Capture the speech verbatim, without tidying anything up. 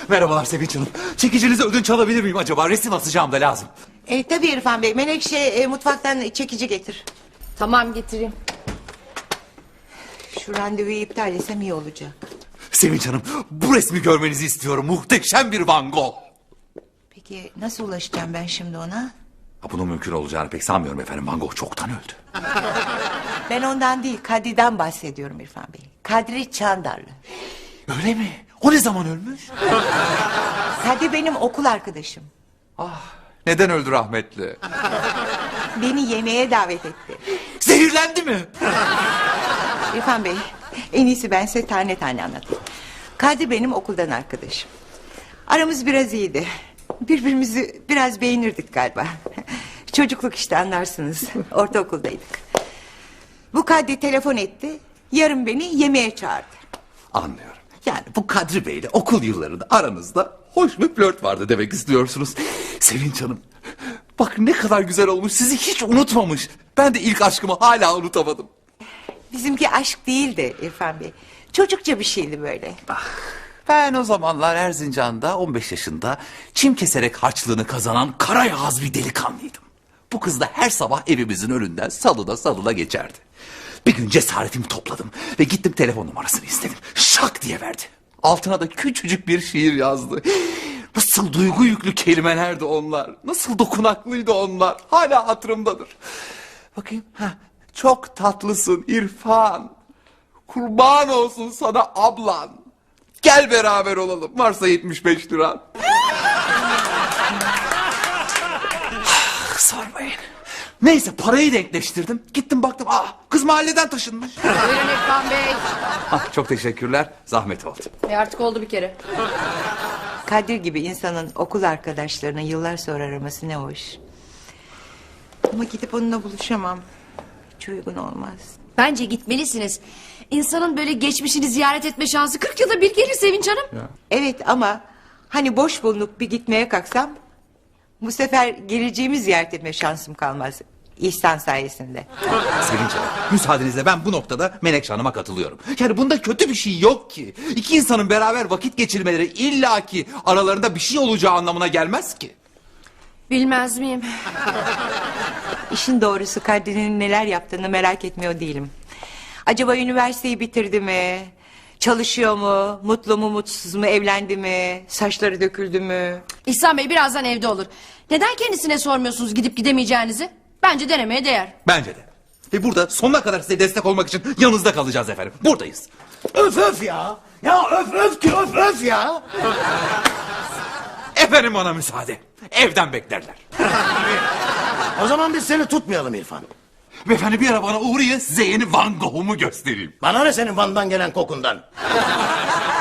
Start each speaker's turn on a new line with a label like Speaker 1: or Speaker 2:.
Speaker 1: Merhabalar Sevinç Hanım. Çekicinizi ödünç alabilir miyim acaba? Resim asacağım da lazım.
Speaker 2: E, tabii İrfan Bey. Menekşe e, mutfaktan çekici getir.
Speaker 3: Tamam, getireyim.
Speaker 2: Şu randevuyu iptal etsem iyi olacak.
Speaker 1: Sevinç Hanım, bu resmi görmenizi istiyorum. Muhteşem bir Van Gogh.
Speaker 2: Peki nasıl ulaşacağım ben şimdi ona?
Speaker 1: Ha, bunun mümkün olacağını pek sanmıyorum efendim. Van Gogh çoktan öldü.
Speaker 2: Ben ondan değil, Kadri'den bahsediyorum İrfan Bey. Kadri Çandarlı.
Speaker 1: Öyle mi? O ne zaman ölmüş?
Speaker 2: Kadri benim okul arkadaşım.
Speaker 1: Neden öldü rahmetli?
Speaker 2: Beni yemeğe davet etti.
Speaker 1: Zehirlendi mi?
Speaker 2: İrfan Bey, en iyisi ben size tane tane anlatayım. Kadri benim okuldan arkadaşım. Aramız biraz iyiydi. Birbirimizi biraz beğenirdik galiba. Çocukluk işte, anlarsınız. Ortaokuldaydık. Bu Kadri telefon etti. Yarın beni yemeğe çağırdı.
Speaker 1: Anlıyorum. Yani bu Kadri Bey'le okul yıllarında aranızda hoş bir flört vardı demek istiyorsunuz. Sevinç Hanım, bak ne kadar güzel olmuş. Sizi hiç unutmamış. Ben de ilk aşkımı hala unutamadım.
Speaker 2: Bizimki aşk değildi İrfan Bey. Çocukça bir şeydi böyle.
Speaker 1: Ben o zamanlar Erzincan'da on beş yaşında çim keserek harçlığını kazanan kara yağız bir delikanlıydım. Bu kız da her sabah evimizin önünden salına salına geçerdi. Bir gün cesaretimi topladım ve gittim telefon numarasını istedim. Şak diye verdi. Altına da küçücük bir şiir yazdı. Nasıl duygu yüklü kelimelerdi onlar. Nasıl dokunaklıydı onlar. Hala hatırımdadır. Bakayım. Heh, çok tatlısın İrfan. Kurban olsun sana ablan. Gel beraber olalım. Varsa yetmiş beş lira. Sormayın. Neyse parayı denkleştirdim. Gittim baktım. Aa, kız mahalleden taşınmış.
Speaker 3: Buyurun İrfan Bey.
Speaker 1: Ah, çok teşekkürler. Zahmet oldu.
Speaker 3: E artık oldu bir kere.
Speaker 2: Kadir gibi insanın okul arkadaşlarını yıllar sonra araması ne hoş. Ama gidip onunla buluşamam. Hiç uygun olmaz.
Speaker 3: Bence gitmelisiniz. İnsanın böyle geçmişini ziyaret etme şansı kırk yılda bir gelir Sevinç Hanım.
Speaker 1: Ya.
Speaker 2: Evet ama hani boş bulunup bir gitmeye kalksam... bu sefer geleceğimi ziyaret etme şansım kalmaz. İhsan sayesinde.
Speaker 1: Sevinç Hanım, müsaadenizle ben bu noktada Menekşe Hanım'a katılıyorum. Yani bunda kötü bir şey yok ki. İki insanın beraber vakit geçirmeleri illaki aralarında bir şey olacağı anlamına gelmez ki.
Speaker 3: Bilmez miyim?
Speaker 2: İşin doğrusu Kadri'nin neler yaptığını merak etmiyor değilim. Acaba üniversiteyi bitirdi mi? Çalışıyor mu? Mutlu mu mutsuz mu? Evlendi mi? Saçları döküldü mü?
Speaker 3: İhsan Bey birazdan evde olur. Neden kendisine sormuyorsunuz gidip gidemeyeceğinizi? Bence denemeye değer.
Speaker 1: Bence de. Ve burada sonuna kadar size destek olmak için yanınızda kalacağız efendim. Buradayız.
Speaker 4: Öf öf ya. Ya öf öf ki öf öf ya.
Speaker 1: Efendim bana müsaade. Evden beklerler.
Speaker 4: O zaman biz seni tutmayalım İrfan.
Speaker 1: Beyefendi bir ara bana uğrayın size yeni Van Gogh'umu göstereyim.
Speaker 4: Bana ne senin Van'dan gelen kokundan?